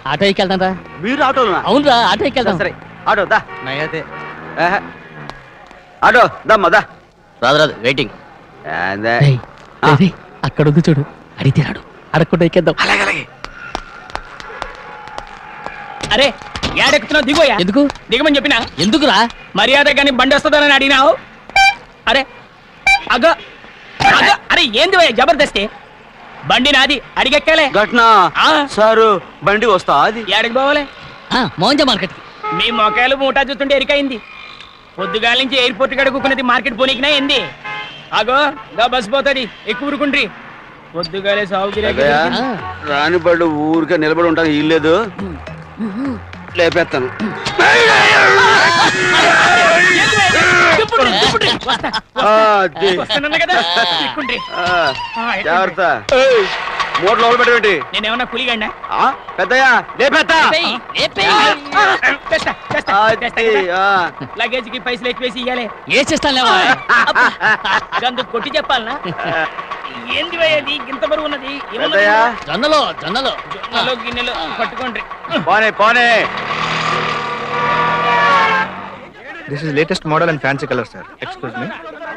Auto ఎక్కి వెళ్తాం రా. మీరు ఆటోనా? అవునురా, ఆటో ఎక్కి వెళ్తాం. సరే ఆటో దా. నైతే ఆటో దమ్మా దా. రాదు వెయిటింగ్. అక్కడ ఉంది చూడు, అడిగితే రాడు, అడగకుండా ఎక్కేద్దాం. అలాగే అలాగే. అరే ఏడెక్కుతున్నావు? దిగోయా. ఎందుకు దిగమని చెప్పినా? ఎందుకురా? మర్యాద కానీ బండి వస్తుందని అడిగినావు. అరే అగ అగ అరే ఏంది జబర్దస్తి? బండి నాది, అడిగెక్కాలే. ఘట్నా సారు బండి వస్తా అది ఏడకి పోవాలే? మోహన్జా మార్కెట్. మీ మొక్కలు మూటా చూస్తుంటే ఎరికైంది. పొద్దుగాల నుంచి ఎయిర్పోర్ట్ కాడ కూకున్నది మార్కెట్ పోనీకినా ఏంది? అగో గా బస్ పోతుంది, ఎక్కువ ఊరుకుండ్రి. పొద్దుగాలే సాగుగిరి రాని బళ్ళు ఊరికే నిలబడి ఉంటాను. ఇల్లేదు లేపేస్తాను. జాగ్రత్త. మూట లోపల పెట్టేంటి? నేనేమన్నా పులిగండా? పెద్దయ్యా లేపేస్తా. లగేజ్ కి పైసలు ఎక్కువేసి ఇయ్యాలి. ఏ చేస్తాను అందుకు కొట్టి చెప్పాలనా? ఏంది అది ఇంత బరువు ఉన్నది? జొన్నలో జొన్నలో జొన్నలో గిన్నెలో పట్టుకోండి. పోనే పోనే. This is latest model and fancy color, sir. Excuse me.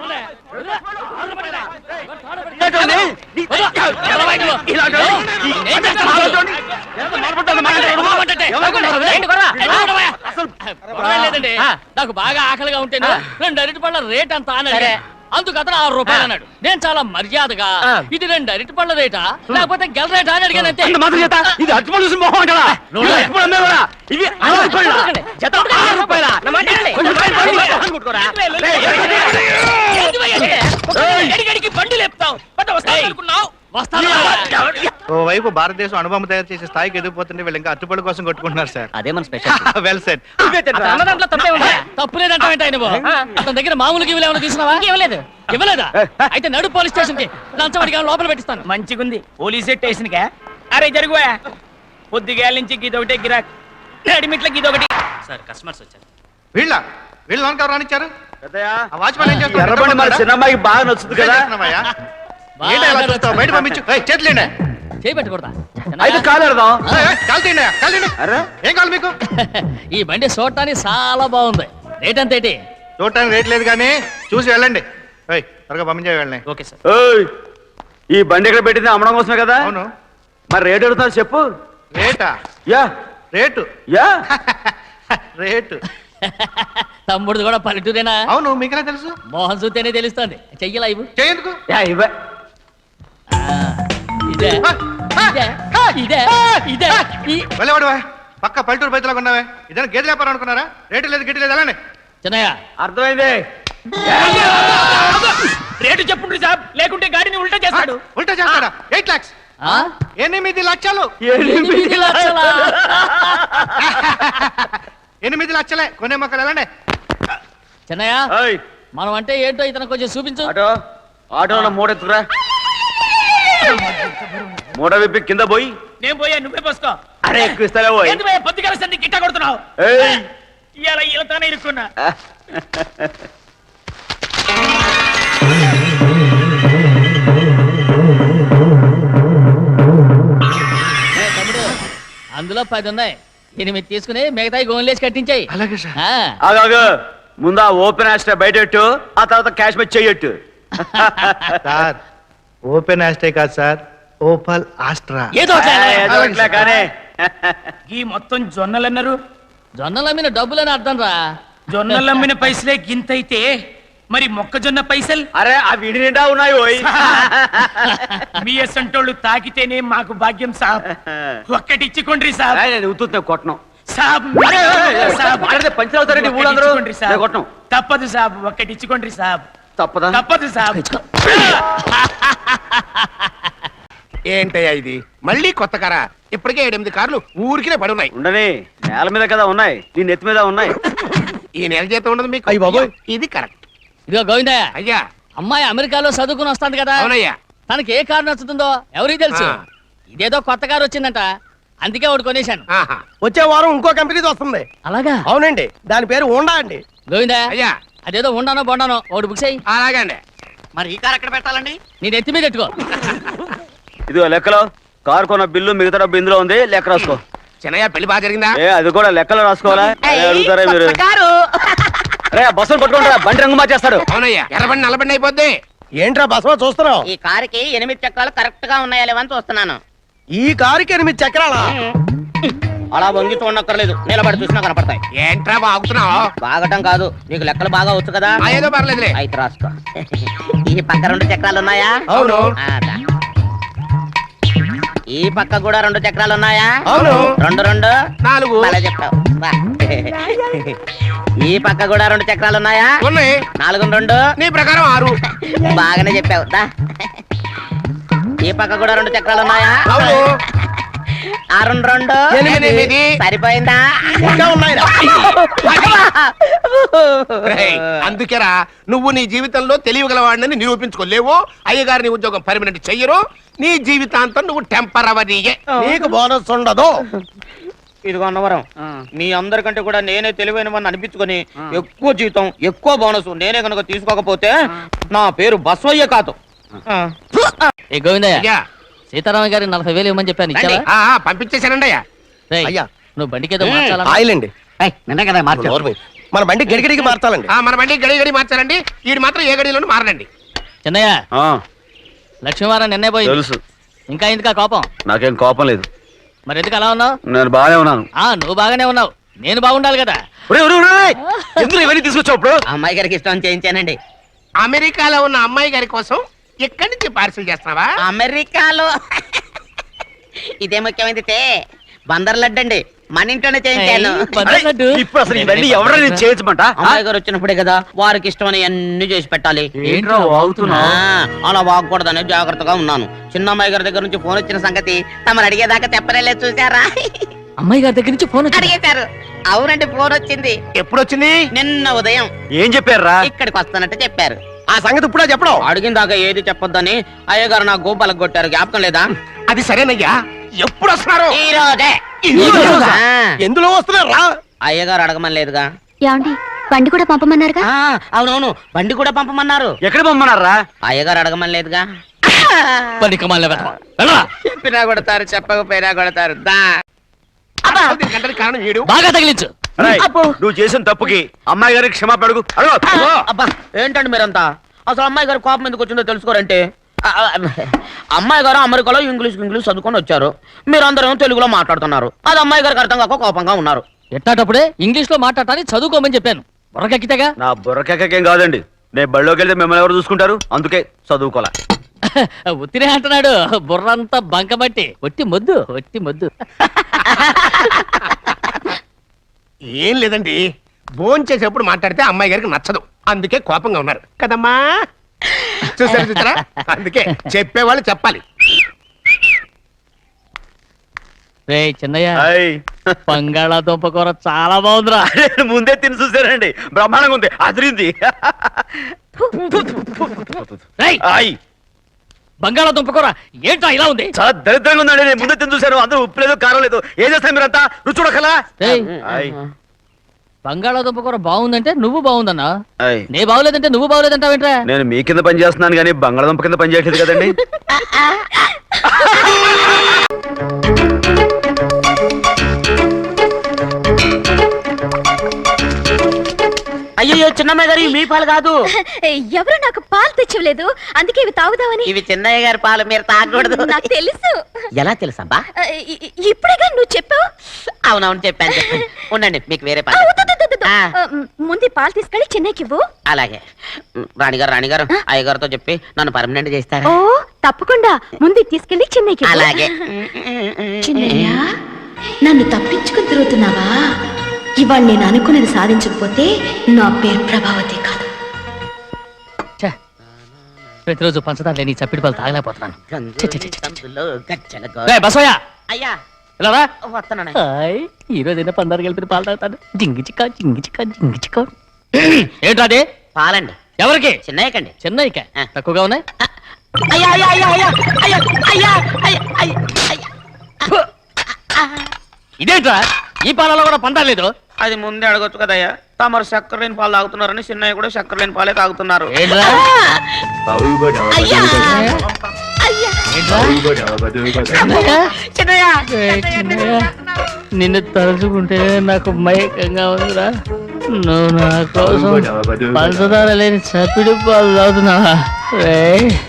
లేదండి, నాకు బాగా ఆకలిగా ఉంటేనే 2 అరటి పళ్ళ రేట్ అంత అన్నాడు. అందుకు అతను 6 రూపాయలు అన్నాడు. నేను చాలా మర్యాదగా ఇది 2 అరటి పళ్ళ రేటా లేకపోతే గెల రేటా అని అడిగాను. అంతే. ఇది అరటిపళ్ళు చూసి మొహం అంటారా? ఇవి బండి లేపుతావు. ఓవైపు భారతదేశం అనుభవం తయారు చేసే స్థాయికి ఎదిగిపోతుంటే వీళ్ళు ఇంకా అట్టుపడి కోసం కొట్టుకుంటున్నారు సార్. అదే మన స్పెషల్. Well set. తప్పు లేదంటే అతని దగ్గర మామూలుగా ఇవ్వలేమో తీసుకున్నావా? ఇవ్వలేదు. ఇవ్వలేదా? అయితే నడు పోలీస్ స్టేషన్ కి లంచం అడిగా లోపల పెట్టిస్తాను. మంచిగుంది పోలీస్ స్టేషన్ కా? అరే జరుగుయా. పొద్దుగాల నుంచి గీదొకటే గిరాక్, నడిమిట్ల గీదొకటి. సార్ కస్టమర్స్ వచ్చారు. వీళ్ళ లోన్ కవర్ రానిచ్చారు. వాచ్మెన్ ఎర్రబండి మన చిన్నమ్మాయికి బాగా నచ్చుతుంది కదా. బయట పంపించు. చేతులేండి. చేయి పెట్టకూడదా? అయితే కాలేడదాం. ఏం కావాలి మీకు? ఈ బండి చూడటానికి చాలా బాగుంది. రేట్ అంత ఏంటి? చూడటానికి రేట్ లేదు కానీ చూసి వెళ్ళండి. త్వరగా పంపించే వెళ్ళండి. Okay sir. ఈ బండి ఎక్కడ పెట్టింది? అమ్మడం కోసమే కదా. అవును. మరి రేట్ అడుగుతారు చెప్పు. రేటా? Ya rate. Ya rate. తమ్ముడు కూడా పల్లెటూరేనా? అవును. మీకెలా తెలుసు? మోహన్ చూస్తేనే తెలుస్తుంది. చెయ్యలా ఇవ్వు. చేయందుకు? ఇవే ఇదే ఇదే ఇదే వెళ్ళవాడు. పక్క పల్లెటూరు బయటలాగా ఉన్నావే. ఇదైనా గేదె వ్యాపారం అనుకున్నారా? రేటు లేదు గిట్టి లేదు. అలానే చిన్నయ్య అర్థమైంది. రేటు చెప్పుండ్రి సాబ్, లేకుంటే గాడిని ఉల్టా చేస్తాడు. ఉల్టా చేస్తాడా? 8 lakhs. 8 లక్షలు. 8 లక్షలా? 8 లక్షలే. కొనే మొక్కలు ఎలాండి? చిన్నయ్య మనం అంటే ఏంటో ఇతను కొంచెం చూపించు. ఆటోలో మూడ ఎత్తుకురా. మూడ విప్పి కింద పోయి. నేను పోయా, నువ్వే పోసుకో. అరే ఎక్కువ ఇస్తారా? పోయి పొద్దుగాల సంది గిట్ట కొడుతున్నావు. ఇలా ఇలానే ఇరుక్కున్నా. తమ్ముడు అందులో 10 ఉన్నాయి. 8 తీసుకుని మిగతాయి గోన్లేసి కట్టించాయి. అలాగే సార్. ఆగు. ముందు ఆ ఓపెన్ ఆస్ట్రా బయటెట్టు, ఆ తర్వాత క్యాష్ మెచ్ చెయ్యట్టు. సార్ ఓపెన్ ఆస్ట్రే కాదు సార్, ఓపల్ ఆస్ట్రా. ఏదో కానీ ఈ మొత్తం జొన్నలు అన్నారు. జొన్నలు అమ్మిన డబ్బులని అర్థం రా. జొన్నలు అమ్మిన పైసలే గింతైతే మరి మొక్కజొన్న పైసలు? అరే ఆ విడి నిండా ఉన్నాయి. పోయి మీ అసంటోళ్ళు తాకితేనే మాకు భాగ్యం సాబ్. ఒక్కటి ఇచ్చుకోండి సాబ్. నేను ఉత్తున్నా కొట్టను సాబ్. పంచర్ అవుతారండి ఊళ్ళందరూ. కొట్టను. తప్పదు సాబ్, ఒక్కటి ఇచ్చుకోండి సాబ్. తప్పదా? తప్పదు సాబ్. ఏంటయ్యా ఇది? మళ్ళీ కొత్త కారా? ఇప్పటికే 7-8 కార్లు ఊరికినే పడున్నాయి. ఉండని, నేల మీద కదా ఉన్నాయి, నీ నెత్తి మీద ఉన్నాయి. ఈ నెల జీతం ఉండదు మీకు? అయ్య బాబోయ్. ఇది కరెక్ట్. ఇదిగో గోవిందయ్య, అయ్యా అమ్మాయి అమెరికాలో చదువుకుని వస్తాంది కదా. అవునయ్యా. తనకి ఏ కారు నచ్చుతుందో ఎవరికి తెలుసు. ఇదేదో కొత్త కారు వచ్చిందంట, అందుకే ఒకటి కొనేశాను. వచ్చే వారం ఇంకో కంపెనీది వస్తుంది. అలాగా? అవునండి, దాని పేరు హోండా అండి. గోవిందయ్య, అయ్యా అదేదో ఉండానో బొండానో ఒకటి బుక్ చేయి. అలాగండి. మరి ఈ కారు ఎక్కడ పెట్టాలండి? నేను ఎత్తి మీద పెట్టుకో. ఇదిగో లెక్కలో కారు కొన్న బిల్లు, మిగతా డబ్బు ఇందులో ఉంది, లెక్క రాసుకో. చిన్నయ్య పెళ్లి బాగా జరిగిందా? ఏ అది కూడా లెక్కలో రాసుకోవాలా? అదే అడుగుతారా మీరు? రే బస్సులు పట్టుకుంటారా, బండి రంగు మార్చేస్తాడు. అవునయ్యా, ఎర్రబండి నల్లబండి అయిపోద్ది. ఏంట్రా బసవ చూస్తున్నావు? ఈ కారుకి 8 చక్రాలు కరెక్ట్ గా ఉన్నాయా లేవని చూస్తున్నాను. ఈ కారుకి 8 చక్రాలా? అలా వంగి చూడక్కర్లేదు, నిలబడి చూసినా కనపడతాయి. ఏంట్రా బాగుతున్నావు? బాగటం కాదు, నీకు లెక్కలు బాగా వచ్చు కదా. ఏదో పర్లేదులే. అయితే రాసుకో. ఈ పక్క 2 చక్రాలు ఉన్నాయా? అవును. దా. ఈ పక్క కూడా 2 చక్రాలు ఉన్నాయా? అవును. 2 2 4. అలా చెప్తావు. బా. ఈ పక్క కూడా 2 చక్రాలు ఉన్నాయా? ఉన్నాయి. 4 2 నీ ప్రకారం 6. బాగానే చెప్పావు. దా. ఈ పక్క కూడా 2 చక్రాలు ఉన్నాయా? అవును. 6 2 8. సరిపోయిందా? ఇంకా ఉన్నాయిరా. రేయ్, అందుకేరా నువ్వు నీ జీవితంలో తెలియగలవాడిని నిరూపించుకోలేవు. అయ్యగారి ఉద్యోగం పర్మనెంట్ చెయ్యరు. నీ జీవితాంతం నువ్వు టెంపరవరీయే. నీకు బోనస్ ఉండదు. ఇదిగో అన్నవరం, మీ అందరికంటే కూడా నేనే తెలివైన వాడిని అనిపించుకొని ఎక్కువ జీతం ఎక్కువ బోనస్ నేనే కనుక తీసుకోకపోతే నా పేరు బస్వయ్య కాదు. ఏ గోవిందయ్య, అయ్యా, సీతారామ గారి 40,000 ఇవ్వమని చెప్పాను, ఇచ్చావా? పంపించేశానండి అయ్యా. రేయ్, అయ్యా. నువ్వు బండికేదో మార్చాలా? ఆయిల్ అండి. నిన్న కదా నోరు మూయి. మన బండి గడిగడికి మార్చాలండి. మన బండి గడి మార్చారండి. వీడు మాత్రం ఏ గడిలోనూ మారనండి. చిన్నయ్య, ఆ, లక్ష్మీవారం నిన్నే పోయింది. తెలుసు. ఇంకా ఎందుకా కోపం? నాకేం కోపం లేదు, మరి ఎందుకు అలా ఉన్నావు? నేను బాగానే ఉన్నాను. నువ్వు బాగానే ఉన్నావు, నేను బాగుండాలి కదా. ఎందుకు ఇవన్నీ తీసుకొచ్చావు ఇప్పుడు? అమ్మాయి గారికి ఇష్టం చేయించానండి. అమెరికాలో ఉన్న అమ్మాయి గారి కోసం ఎక్కడి నుంచి పార్సిల్ చేస్తున్నావా? అమెరికాలో ఇదే ముఖ్యమైనది బందర్ లడ్డు అండి, మన ఇంట్లోనే చేయించాను. ఇప్పుడు అసలు ఇవన్నీ ఎవరైనా చేయించమంట? అమ్మాయి గారు వచ్చినప్పుడే కదా వారికి ఇష్టమని అన్ని చేసి పెట్టాలి. ఏంట్రా వాగుతున్నావ్? అలా వాగకూడదని జాగ్రత్తగా ఉన్నాను. చిన్న అమ్మాయి గారి దగ్గర నుంచి ఫోన్ వచ్చిన సంగతి తమరు అడిగేదాకా చెప్పలేదు, చూసారా? అమ్మాయి గారి దగ్గర నుంచి ఫోన్ వచ్చింది. అడిగేశారు. అవునండి, ఫోన్ వచ్చింది. ఎప్పుడు వచ్చింది? నిన్న ఉదయం ఏం చెప్పారా? ఇక్కడికి వస్తానంటే చెప్పారు. ఆ సంగతి ఇప్పుడే చెప్పడం. అడిగిన దాకా ఏది చెప్పొద్దని అయ్యగారు నా గోపాలకు కొట్టారు, జ్ఞాపకం లేదా? అది సరేనయ్యా, ఎప్పుడు వస్తున్నారు? ఈ రోజే. ఎందులో వస్తున్నారా? అయ్యగారు అడగమని లేదుగా. ఏమండి బండి కూడా పంపమన్నారుగా? అవునవును, బండి కూడా పంపమన్నారు. ఎక్కడ పొమ్మన్నారా? అయ్యగారు అడగమని లేదుగా. చెప్పినా కొడతారు, చెప్పకపోయినా కొడతారు. దా. దీనికి గంటకి కారణం వీడు. బాగా తగిలించు. రేయ్, నువ్వు చేసిన తప్పుకి అమ్మాయి గారికి క్షమాపణ అడుగు. అబ్బా, ఏంటండి మీరంతా? అసలు అమ్మాయి గారు కోపం ఎందుకు వచ్చిందో తెలుసుకోరంటే, అమ్మాయి గారు అమెరికాలో ఇంగ్లీష్ చదువుకొని వచ్చారు, మీరందరూ తెలుగులో మాట్లాడుతున్నారు. అది అమ్మాయి గారికి అర్థం కాక కోపంగా ఉన్నారు. ఎట్టాటప్పుడే ఇంగ్లీష్ లో మాట్లాడాలని చదువుకోమని చెప్పాను. బుర్రకెక్కితేగా. నా బుర్రకేకేం కాదండి, నేను బళ్ళోకి వెళ్తే మిమ్మల్ని ఎవరు చూసుకుంటారు? అందుకే చదువుకోలే. ఉత్తినే అంటున్నాడు, బుర్రంతా బంకబట్టి. ఒట్టి మొద్దు, ఒట్టి మొద్దు. ఏం లేదండి, భోజనం చేసేప్పుడు మాట్లాడితే అమ్మాయి గారికి నచ్చదు, అందుకే కోపంగా ఉన్నారు కదమ్మా. చూసారా? అందుకే చెప్పేవాళ్ళు చెప్పాలి. రే చిన్నయ్య, హాయ్. బంగాళాదుంప కూర చాలా బాగుందిరా. నేను ముందే తిని చూసానండి, బ్రహ్మాండంగా ఉంది, అదిరింది. రేయ్, హాయ్. బంగాళాదుంప కూర ఏంటా ఇలా ఉంది? చాలా దరిద్రంగా ఉందండి, నేను ముందే తిని చూశాను. అందరూ ఉప్పు లేదు, కారం లేదు. ఏం చేస్తారు మీరంతా? రుచి చూడకలా. రేయ్, హాయ్. బంగాళాదుంప కూర బాగుందంటే నువ్వు బాగుందన్నా, హాయ్. నే బాగులేదంటే నువ్వు బాగులేదంటావేంట్రా? నేను మీ కింద పని చేస్తున్నాను కానీ బంగాళదుంప కింద పని చేయట్లేదు కదండి. అయ్యో, చిన్నమ్మాయి గారు మీ పాలు కాదు. ఎవరు నాకు పాలు తెచ్చలేదు, అందుకే ఇవి తాగుదామని. ఇవి చిన్నయ్య గారి పాలు, మీరు తాగకూడదు. నాకు తెలుసు. ఎలా తెలుసబ్బా? ఇప్పుడేగా నువ్వు చెప్పావు. అవునవును, చెప్పాను. ఉండండి, మీకు వేరే ఆ, పాలు. వద్దు, వద్దు, వద్దు. ఆ. ముందు ఈ పాలు తీసుకెళ్ళి చెన్నైకి ఇవ్వు. అలాగే. రాణిగారు అయ్యగారితో చెప్పి నన్ను పర్మనెంట్ చేస్తారా? ఓ తప్పకుండా, ముందు ఇది తీసుకెళ్ళి చెన్నైకి ఇవ్వు. అలాగే. చిన్నయ్య, నన్ను తప్పించుకుని తిరుగుతున్నావా? ఇవాళ నేను అనుకున్నది సాధించకపోతే నా పేరు ప్రభావతి కాదు. ఛే, ప్రతిరోజు పంచదార లేని ఈ చప్పిడి పాలు తాగలేకపోతున్నాను. రేయ్, బసవయ్య, అయ్యా, ఇలా రా. వస్తున్నాను. హాయ్, ఈ రోజైనా పందారు కలిపి పాలు తాగుతాను. జింగి చిక్క జింగి చిక్క జింగి చిక్క. ఏంట్రా అది? పాలండి. ఎవరికి? చిన్నయ్యకండి. చెన్నైకా? ఆ. తక్కువగా ఉన్నాయి. అయ్యా అయ్యా అయ్యా అయ్యా అయ్యా అయ్యా అయ్యా అయ్యా అయ్యా. ఇదేంట్రా, ఈ పాలలో కూడా పందారు లేదు? అది ముందే అడగొచ్చు కదయ్యా. తమరు చక్కెర లేని పాలు తాగుతున్నారని చిన్నయ్య కూడా చక్కెర లేని పాలే తాగుతున్నారు. ఏంట్రా? అయ్యా, ఏంట్రా? చిన్నయ్య చిన్నయ్య. నిన్ను తలుచుకుంటే నాకు మైకంగా ఉందిరా. నువ్వు నా కోసం పంచదార లేని చప్పిడి పాలు తాగుతున్నావా రే?